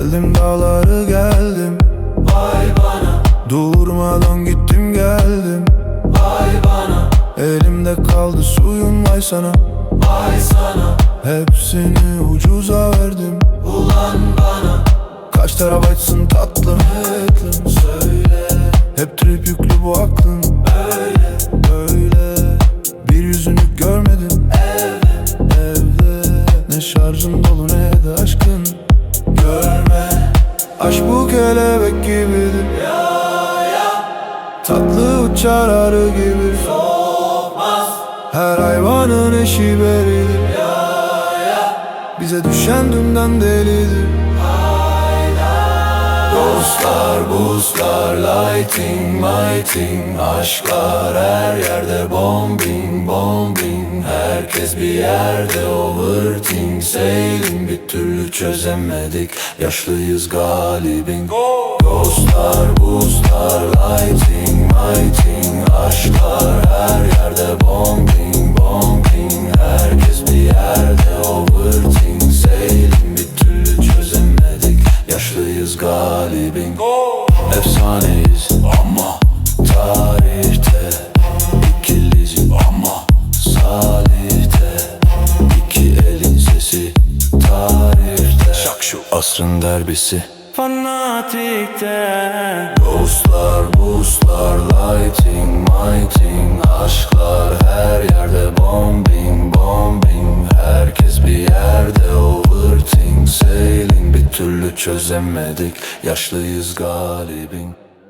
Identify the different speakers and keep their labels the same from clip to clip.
Speaker 1: Deldim dağları geldim,
Speaker 2: Vay bana,
Speaker 1: durmadan gittim geldim.
Speaker 2: vay bana,
Speaker 1: Elimde kaldı suyun, vay sana.
Speaker 2: vay sana.
Speaker 1: Hepsini ucuza verdim.
Speaker 2: Ulan bana
Speaker 1: Kaç terabaytsın tatlım,
Speaker 2: aklım söyle.
Speaker 1: hep trip yüklü bu aklın.
Speaker 2: Öyle
Speaker 1: Böyle bir yüzünü görmedim evde. Ne şarjın dolu ne de aşkın. Görme, aşk bu kelebek gibidir. Tatlı uçar arı gibi.
Speaker 2: olmaz.
Speaker 1: Her hayvanın eşi beridir. Bize düşen dünden delidir.
Speaker 2: Dostlar, boostlar, lighting, mighting. Aşklar her yerde, bombing, bombing. Herkes bir yerde, overthink. Sailing bir türlü çözemedik. Yaşlıyız galibin. Dostlar, boostlar, lighting, mighting. Aşklar her yerde, bombing, bombing. Herkes bir yerde, overthink. Sailing bir türlü çözemedik. Yaşlıyız galibin. Efsaneyiz ama tarihte. İkiliz ama salihte. İki elin sesi tarihte. Şak şu asrın derbisi fanatikte. Dostlar, boostlar, lighting, mighting. Aşklar her yerde, bombing, bombing. Herkes bir yerde, overthink. Sailing bir türlü çözemedik. Yaşlıyız galibin.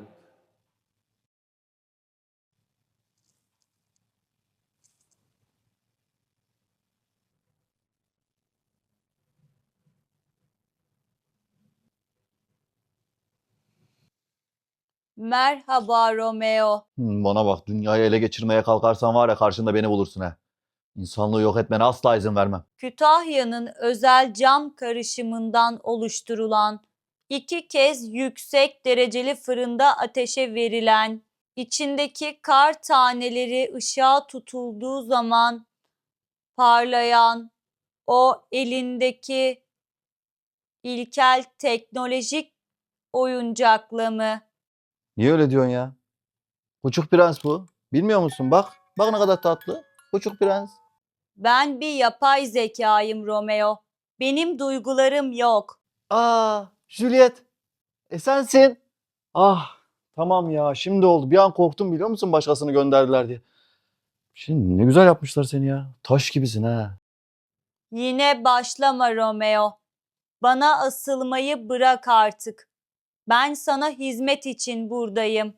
Speaker 3: Merhaba Romeo.
Speaker 4: Bana bak, dünyayı ele geçirmeye kalkarsan var ya, karşında beni bulursun ha. İnsanlığı yok etmene asla izin vermem.
Speaker 3: Kütahya'nın özel cam karışımından oluşturulan, 2 kez yüksek dereceli fırında ateşe verilen, içindeki kar taneleri ışığa tutulduğu zaman parlayan, o elindeki ilkel teknolojik oyuncakla mı?
Speaker 4: Niye öyle diyorsun ya? Küçük prens bu. Bilmiyor musun? Bak. Bak ne kadar tatlı. Küçük prens.
Speaker 3: Ben bir yapay zekayım Romeo. Benim duygularım yok.
Speaker 4: Juliet. Sensin. Ah, tamam ya, şimdi oldu. Bir an korktum, biliyor musun, başkasını gönderdiler diye. Şimdi ne güzel yapmışlar seni ya. Taş gibisin ha.
Speaker 3: Yine başlama Romeo. Bana asılmayı bırak artık. Ben sana hizmet için buradayım.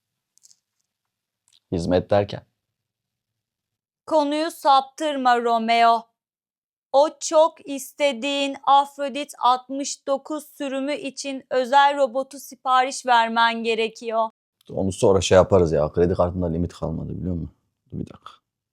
Speaker 4: Hizmet derken.
Speaker 3: Konuyu saptırma Romeo. O çok istediğin Afrodit 69 sürümü için özel robotu sipariş vermen gerekiyor.
Speaker 4: Onu sonra şey yaparız ya. Kredi kartında limit kalmadı, biliyor musun? Dur bir dakika.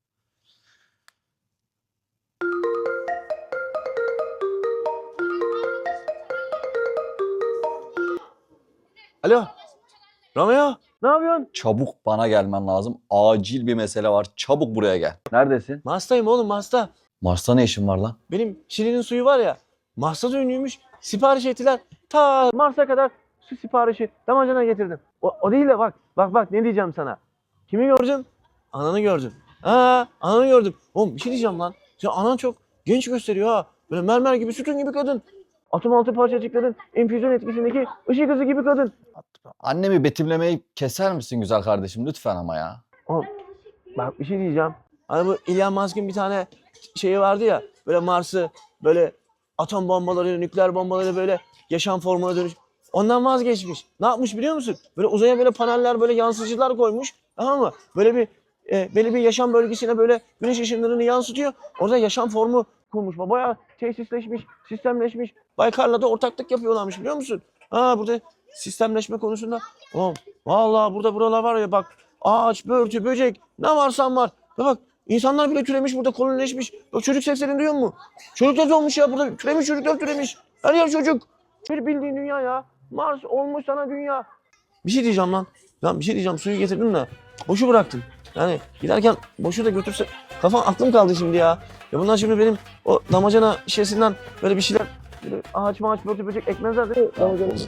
Speaker 5: Alo. Romeo. Ne yapıyorsun?
Speaker 4: Çabuk bana gelmen lazım. Acil bir mesele var. Çabuk buraya gel. Neredesin?
Speaker 5: Mars'tayım oğlum, Mars'ta.
Speaker 4: Mars'ta ne işin var lan?
Speaker 5: Benim Şili'nin suyu var ya. Mars'ta da ünlüymüş. Sipariş ettiler. Ta Mars'a kadar su siparişi damacana getirdim. O değil de bak ne diyeceğim sana. Kimi gördüm? Ananı gördüm. Ananı gördüm. Oğlum bir şey diyeceğim lan. Sen anan çok genç gösteriyor ha. Böyle mermer gibi, sütun gibi kadın. Atom altı parçacıkların enfüzyon etkisindeki ışık hızı gibi kadın.
Speaker 4: Annemi betimlemeyi keser misin güzel kardeşim lütfen ama ya.
Speaker 5: Oğlum bak bir şey diyeceğim. Hani bu Elon Musk'ın bir tane şeyi vardı ya. Böyle Mars'ı böyle atom bombaları, nükleer bombaları böyle yaşam formuna dönüş. Ondan vazgeçmiş. Ne yapmış biliyor musun? Böyle uzaya böyle paneller, böyle yansıtıcılar koymuş. Tamam mı? Böyle bir yaşam bölgesine böyle güneş ışınlarını yansıtıyor. Orada yaşam formu kurmuş. Bayağı tesisleşmiş, sistemleşmiş. Baykar'la da ortaklık yapıyorlarmış, biliyor musun? Burada sistemleşme konusunda. Oğlum vallahi buralar var ya, bak. Ağaç, börtü, böcek, ne varsan var. Bak insanlar bile türemiş burada, kolonileşmiş. Bak çocuk seslerini duyuyor musun? Çocuklar olmuş ya burada. Çocuklar türemiş. Her yer çocuk. Bir bildiğin dünya ya. Mars olmuş sana dünya. Bir şey diyeceğim lan. Lan bir şey diyeceğim. Suyu getirdim de boşu bıraktım. Yani giderken boşu da götürse. Aklım kaldı şimdi ya. Ya bunlar şimdi benim o damacana şişesinden böyle bir şeyler Böyle ağaç maaç börtü böcek ekmezler değil mi?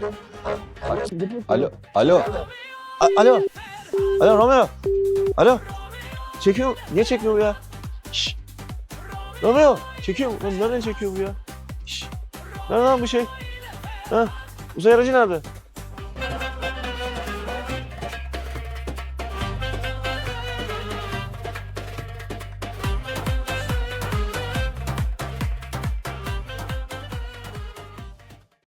Speaker 4: Alo. Alo.
Speaker 5: Alo. Alo Romeo. Alo. Çekiyor. Niye çekmiyor bu ya? Şşş. Romeo. Çekiyor mu? Lan nereden çekiyor bu ya? Şşş. Nerede lan bu şey? Ha? Uzay aracı nerede?